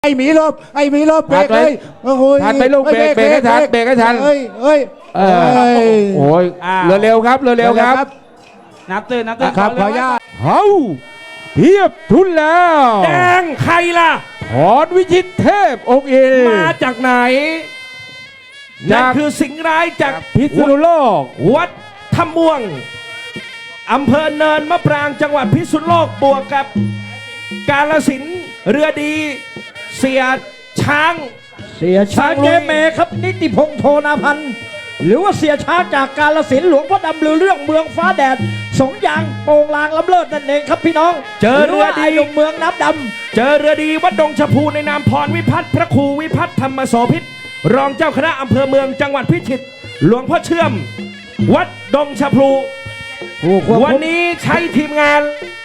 ไอ้หมีลบเบรกเลยทันไปลูกเบรกให้ทันเบรกให้ทันเอ้ยโอ้ยเร็วครับเร็วครับนับตื่นครับขออนุญาตเฮ้าเทียบทุนแล้วแดงใครล่ะพรวิชิตเทพองค์อินมาจากไหนนั่นคือสิงห์ร้ายจากพิษณุโลกวัดท่าม่วงอำเภอเนินมะปรางจังหวัดพิษณุโลกบวกกับกาฬสินธุ์เรือดีเสียช้างเจเมครับนิติพงษ์โทนาพันธ์หรือว่าเสียช้างจากกาฬสินธุ์หลวงพ่อดำหรือเรื่องเมืองฟ้าแดดสงยางโป่งลางล้ำเลิศนั่นเองครับพี่น้องเจอเรือดีเมืองน้ำดำเจอเรือดีวัดดงชะพูในนามพรวิพัฒน์พระครูวิพัฒน์ธรรมโสภิตรองเจ้าคณะอำเภอเมืองจังหวัดพิจิตรหลวงพ่อเชื่อมวัดดงชะพูวันนี้ใช้ทีมงาน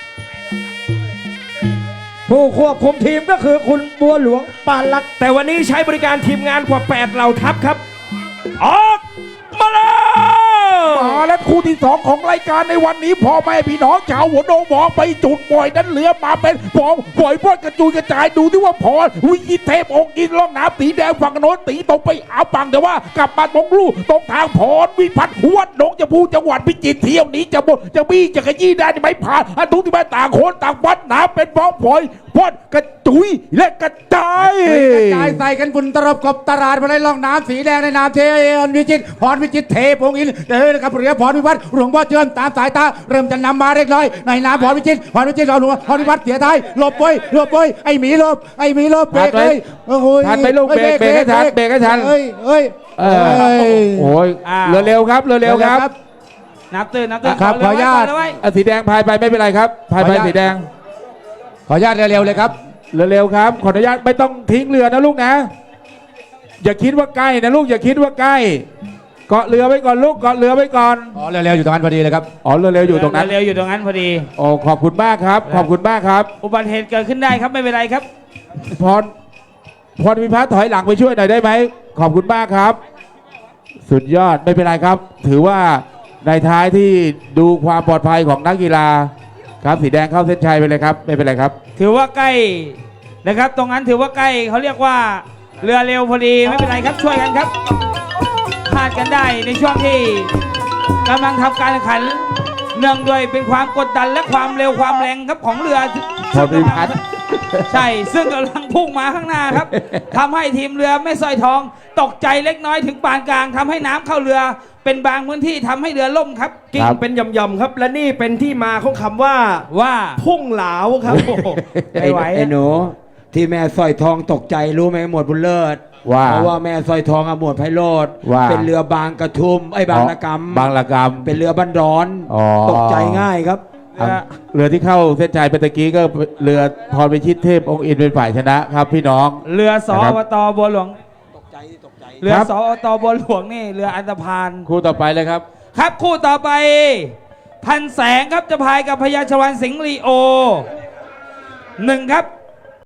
ผู้ควบคุมทีมก็คือคุณบัวหลวงปานลักษ์แต่วันนี้ใช้บริการทีมงานกว่า8เหล่าทัพครับออกมาและคู่ที่2ของรายการในวันนี้พ่อแม่พี่น้องชาวหัวโนมองไปจุดปล่อยนั้นเรือมาเป็นปองปล่อยพอดกระจุยกระจายดูที่ว่าพรวิชิตเทพองค์อินล่องน้ำสีแดงฝั่งโน้นตีตรงไปอาปังแต่ว่ากลับมาตรงลู่ตรงทางพรวิพัฒน์วัดหนองจะพูจังหวัดพิจิตรเที่ยวนี้จะบดจะบี้จะขยี้ได้ไม่ผ่านอันทุกที่มาต่างคนต่างวัดน้ำเป็นฟองฝอยพอดกระจุยและกระจายใส่กันฝุ่นตลบกบตลาดมาในล่องน้ำสีแดงในนามเทวิจิตพรวิจิตเทพองค์อินเดินกับเรือพรวิวัฒน์หลวงพ่อเชื่อมตามสายตาเริ่มจะนำมาเล็กน้อยในนามพรวิจิตเราหลวงพรวิวัฒน์เสียท้ายหลบไปไอ้หมีลบเบรกเลยทันไปลูกเบรกให้ทันเบรกให้ทันโอ้ยเร็วครับนับตื่นครับขออนุญาตสีแดงพายไปไม่เป็นไรครับพายไปสีแดงขออนุญาตเร็วเลยครับเร็วครับขออนุญาตไม่ต้องทิ้งเรือนะลูกนะอย่าคิดว่าใกล้นะลูกอย่าคิดว่าใกล้เกาะเรือไว้ก่อนลูกเกาะเรือไว้ก่อนเร็วอยู่ตรงนั้นพอดีเลยครับเร็วอยู่ตรงนั้นพอดีโอ้ขอบคุณมากครับขอบคุณมากครับอุบัติเหตุเกิดขึ้นได้ครับไม่เป็นไรครับพรวิพัฒน์ถอยหลังไปช่วยหน่อยได้ไหมขอบคุณมากครับสุดยอดไม่เป็นไรครับถือว่าในท้ายที่ดูความปลอดภัยของนักกีฬาครับสีแดงเข้าเส้นชัยไปเลยครับไม่เป็นไรครับถือว่าใกล้นะครับตรงนั้นถือว่าใกล้เขาเรียกว่าเรือเร็วพอดีไม่เป็นไรครับช่วยกันครับพลาดกันได้ในช่วงที่กำลังทำการแข่งขันเนื่องด้วยเป็นความกดดันและความเร็วความแรงครับของเรือพรวิพัฒน์ใช่ซึ่งกำลังพุ่งมาข้างหน้าครับทำให้ทีมเรือแม่สร้อยทองตกใจเล็กน้อยถึงปานกลางทำให้น้ำเข้าเรือเป็นบางพื้นที่ทำให้เรือล่มครับกิ่งเป็นย่อมๆครับและนี่เป็นที่มาของคำว่าพุ่งเหลาครับไอ้หนูที่แม่สร้อยทองตกใจรู้ไหมหมวดบุญเลิศเพราะว่าแม่สร้อยทองหมวดไพโรธเป็นเรือบางกระทุมบางละกำเป็นเรือบ้านร้อนตกใจง่ายครับเรือที่เข้าเส้นชัยเมื่อกี้ก็เรือพรวิชิตเทพองค์อินเป็นฝ่ายชนะครับพี่น้องเรือสวตบัวหลวงเรือสอตบัวหลวงนี่เรืออันธพาลคู่ต่อไปเลยครับครับคู่ต่อไปพันแสงครับจะพายกับพญาชวานสิงห์ลีโอ1ครับ